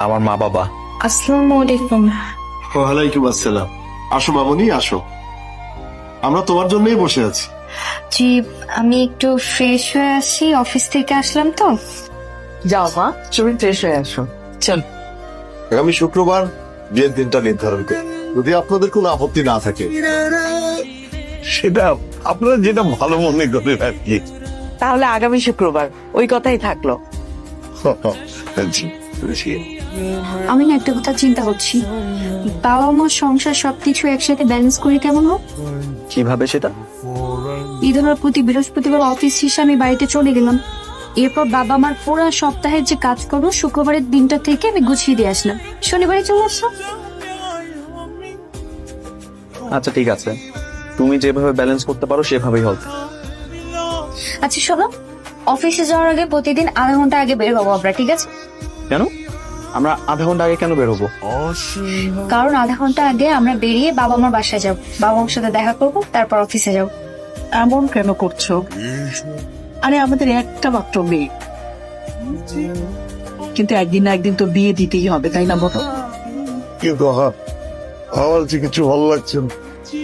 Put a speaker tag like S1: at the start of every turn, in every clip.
S1: আমার মা বাবা।
S2: আসসালামু আলাইকুম।
S3: ওয়ালাইকুম আসসালাম। আসো মামুনি, আসো, আমরা তোমার জন্যই বসে আছি।
S2: জি, আমি একটু ফ্রেশ হয়ে আসি, অফিস থেকে আসলাম তো।
S4: যাও মা, তুমি ফ্রেশ হয়ে আসো। চল।
S3: আগামী শুক্রবার বিয়ের দিনটা নির্ধারণ করি, যদি আপনাদের কোনো আপত্তি না থাকে।
S5: সেটা আপনারা যেটা ভালো মনে করেন আর কি।
S4: তাহলে আগামী শুক্রবার ওই কথাই থাকলো।
S2: আমি না একটা কথা চিন্তা করছি, বাবা মা সংসার সবকিছু একসাথে ব্যালেন্স করে কেমন হোক।
S1: কিভাবে সেটা?
S2: ঈদের প্রতি বৃহস্পতিবার অফিস শেষে আমি বাড়িতে চলে গেলাম, এরপর বাবা আমার পুরো সপ্তাহের যে কাজ করবো শুক্রবারের দিনটা থেকে আমি গুছিয়ে দিয়ে আসলাম, শনিবারে চলে আসলাম।
S1: আচ্ছা ঠিক আছে, তুমি যেভাবে ব্যালেন্স করতে পারো সেভাবেই হবে।
S2: আচ্ছা শোনো, অফিসে যাওয়ার আগে প্রতিদিন আধা ঘন্টা আগে বের হবো আমরা, ঠিক আছে?
S1: কেন? আমরা আধা ঘন্টা আগে কেন বের হবো?
S2: কারণ আধা ঘন্টা আগে আমরা বেরিয়ে বাবা মার বাসায় যাবো, বাবা মার সাথে দেখা করবো, তারপর অফিসে যাবো।
S4: এমন কেন করছো? আরে আমাদের একটা মাত্র মেয়ে, কিন্তু একদিন না একদিন তো বিয়ে দিতেই হবে, তাই না বলো?
S5: কিন্তু আমার যে কিছু ভালো লাগছে না।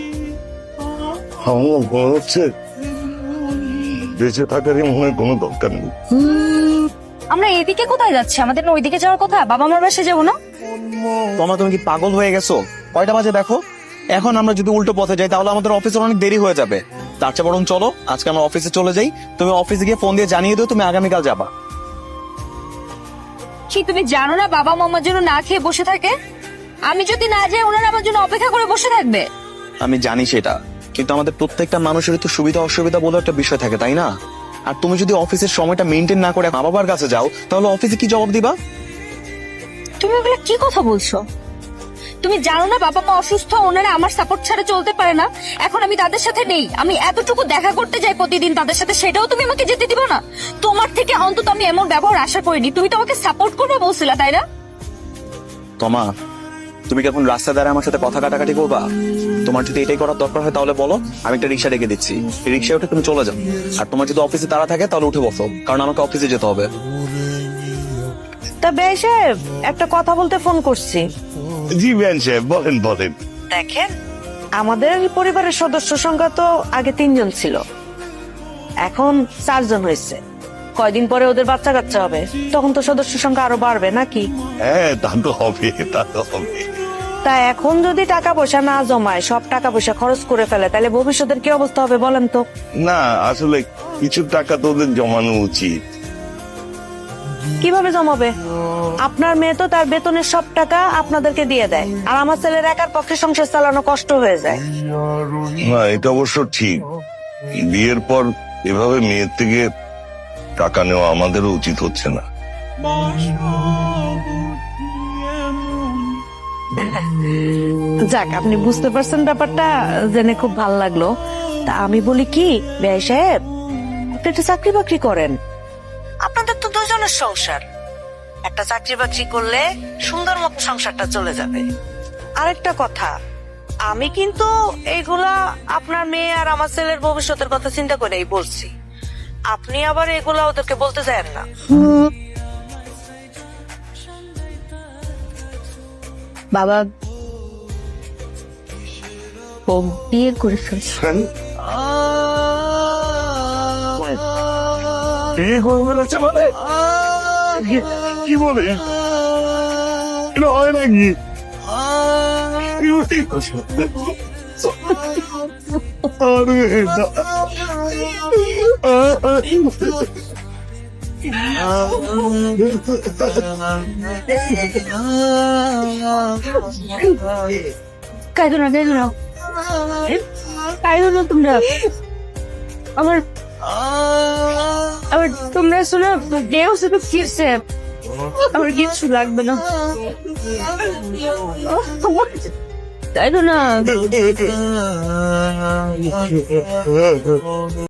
S5: আমার মনে হচ্ছে বেঁচে থাকারই মনে হয় কোনো দরকার নেই।
S2: আমরা এদিকে কোথায় যাচ্ছি? আমাদের না ওইদিকে যাওয়ার কথা, বাবা মার বাসায় যাবো না?
S1: তুমি কি পাগল হয়ে গেছো? কয়টা বাজে দেখো। এখন আমরা যদি উল্টো পথে যাই তাহলে আমাদের অফিসের অনেক দেরি হয়ে যাবে। তার চেয়ে বরং চলো আজকে আমরা অফিসে চলে যাই, তুমি অফিসে গিয়ে ফোন দিয়ে জানিয়ে দিও তুমি আগামীকাল যাবা।
S2: কি তুমি জানো না বাবা মা আমার জন্য না খেয়ে বসে থাকে? আমি যদি না যাই ওনারা আমার জন্য অপেক্ষা করে বসে থাকবে।
S1: আমি জানি সেটা, কিন্তু আমাদের প্রত্যেকটা মানুষের তো সুবিধা অসুবিধা বলে একটা বিষয় থাকে, তাই না? আর তুমি যদি অফিসের সময়টা মেনটেন না করে মা বাবার কাছে যাও তাহলে অফিসে কি জবাব দিবা?
S2: তুমি এগুলো কি কথা বলছো? তুমি জানো না বাবা মা অসুস্থ, ওনারা আমার সাপোর্ট ছাড়া চলতে পারে না। এখন আমি তাদের সাথে নেই, আমি এতটুকু দেখা করতে যাই প্রতিদিন তাদের সাথে, সেটাও তুমি আমাকে যেতে দিবা না? তোমার থেকে অন্তত আমি এমন ব্যবহার আশা করিনি। তুমি তো আমাকে সাপোর্ট করবে বলছিলা, তাই না?
S1: তোমা, তুমি কি এখন রাস্তায় দাঁড়ায় আমার সাথে কথা কাটাকাটি করবা? তোমার যদি এটাই করার দরকার হয় তাহলে বলো, আমি একটা রিক্সা রেখে দিচ্ছি, রিক্সায় উঠে তুমি চলে যাও। আর তোমার যদি অফিসে তাড়া থাকে তাহলে উঠে বসো, কারণ আমাকে অফিসে যেতে হবে।
S6: তা বেশ সাহেব, একটা কথা বলতে ফোন করছি।
S5: জি বেন সাহেব, বলেন বলেন।
S6: দেখেন, আমাদের পরিবারের সদস্য সংখ্যা তো আগে 3 জন ছিল, এখন 4 জন হয়েছে। কয়দিন পরে ওদের বাচ্চা কাচ্চা হবে, তখন তো সদস্য সংখ্যা আরো বাড়বে নাকি?
S5: হ্যাঁ, তা তো হবে, তা তো হবে।
S6: তা এখন যদি টাকা পয়সা না জমায়, সব টাকা পয়সা খরচ করে ফেলে, তাহলে ভবিষ্যতের কি অবস্থা হবে বলেন তো?
S5: না, আসলে কিছু টাকা তো ওদের জমানো উচিত।
S6: কিভাবে জমাবে? আপনার মেয়ে তো তার বেতনের সব টাকা আপনাদেরকে দিয়ে দেয়, আর আমার ছেলের একার পক্ষে সংসার চালানো কষ্ট হয়ে যায়।
S5: না, এটা অবশ্য ঠিক। বিয়ের পর এভাবে মেয়ের থেকে টাকা নেওয়া আমাদেরও উচিত হচ্ছে না।
S6: যাক, আপনি বুঝতে পারছেন ব্যাপারটা, জেনে খুব ভালো লাগলো। তা আমি বলি কি বেয়াই সাহেব, আপনি একটা চাকরি বাকরি করেন, আপনাদের তো 2 জনের সংসার। একটা চাকরি বাকরি করলে সুন্দর মতো সংসারটা চলে যাবে। আরেকটা কথা, আমি কিন্তু এইগুলা আপনার মেয়ে আর আমার ছেলের ভবিষ্যতের কথা চিন্তা করেই বলছি। আপনি আবার এগুলা ওদেরকে বলতে চান না।
S2: বাবা ও বিয়ে করে ফেলছে।
S5: কি বলে? এটা হয় নাকি?
S2: কাইদো না, কাইদো না, কাইদো না তোমরা। আমার আমার তোমরা শোনো, দেহ শুধু ফিরছে, আমার কিছু লাগবে না, তাই তো না?